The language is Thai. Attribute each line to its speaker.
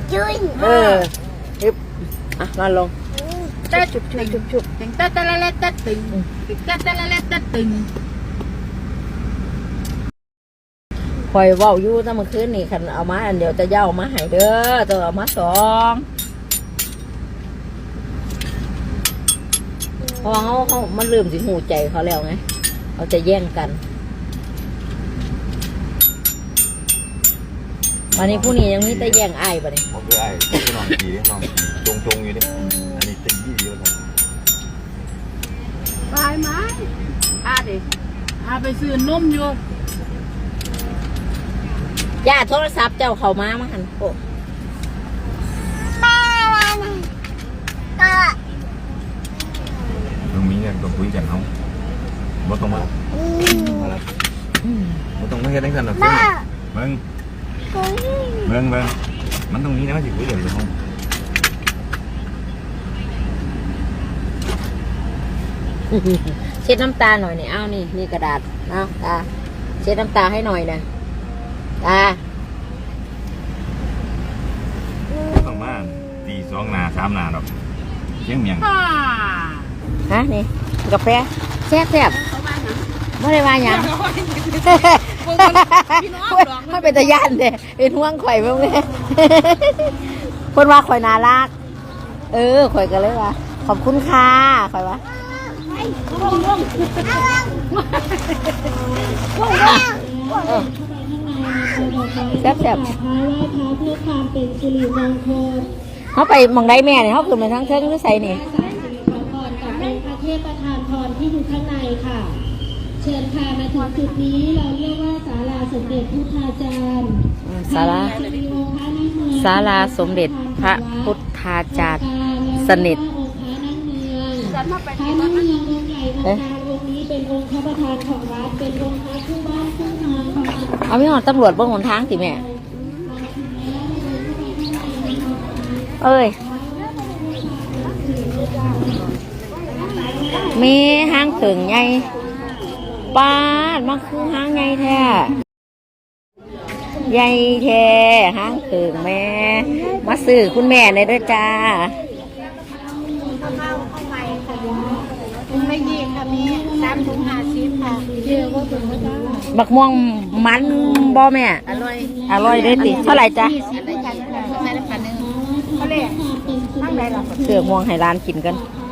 Speaker 1: จุย
Speaker 2: ฮึบนอนลง
Speaker 3: ชุบตึงตะละละตะตึงตะละละตะตึง
Speaker 2: คอยเว้าอยู่ตั้งเมื่อคืนนี่คันเอามาอันเดียวจะย่าเอามาให้เด้อตัวเอามา2เพราะเขามันลืมสิหูใจเขาแล้วไงเขาจะแย่งกันวันนี้ผู้นี้ยังมีแต่แย่งไอ้บ่เนี่ย
Speaker 4: ผมคือไอ้ที่นอนขี่นอนจงอยู่ดิอันนี้ตีเดียวเลย
Speaker 3: ไปไหมดิไปซื้อนมอยู่
Speaker 2: ย่าโทรศัพท์เจ้าเขามาหันโอ้
Speaker 4: ตรงนี้เนี่ยต้องคุยกันเขาบ่ต้องมาบ่ต้องมาเฮ็ดให้กันหรอกเบิ่งมันตรงนี้นะมันสิคุยกันอยู่ห้อง
Speaker 2: เช็ดน้ำตาหน่อยนี่เอานี่กระดาษเอาตาเช็ดน้ำตาให้หน่อยนะตา
Speaker 4: ต้องมาตี2 นา3 นาดอกเชียงเมียง
Speaker 2: ฮะนี่กาแฟแซ่บไม่ได้ว่าหยังไม่เป็นตะย่านเด้เป็นห่วงข่อยบ้างเลยคนว่าข่อยน่ารักข่อยกันเลยว่าขอบคุณค่ะข่อยว่าแซ่บเขาไปมองได้แม่เนี่ยเขาขึ้นมาทั้งเทิงหรือใส่เนี่ย
Speaker 1: เป็นพระเทพประธานพรที่อยู่ข้างในค่ะเชิญค่ะมาถึงจุดนี้เราเรียกว่าศาลาสมเด็จพุทธาจารย์
Speaker 2: ศาลาสมเด็จพระพุทธาจารย์สนิท
Speaker 1: พระนั่งเมืององค์ใหญ่องค์กลางองค์นี้เป็นองค์พระประธานของวัดเป็นองค์พระคู่บ้านคู่เมือง
Speaker 2: เอาไม่หอดตำรวจบนหนทางสิแม่มีห้างถึงไงป้าดมันคือห้างไงแท้ใหญ่แท้ห้างถึงแม่มาซื้อคุณแม่เลยด้วยจ้า
Speaker 3: ไม่ยีค่ะมี3 ถุง 50ค่ะ
Speaker 2: บักม่วงมันบ่แม่อร่อยเลยติเท่าไหร่จ้า
Speaker 3: 20ได้จ้ะใส่น้ำปลา1เขาเลยตั้งไหนหรอ
Speaker 2: เสือม่วงให้ร้านกินกัน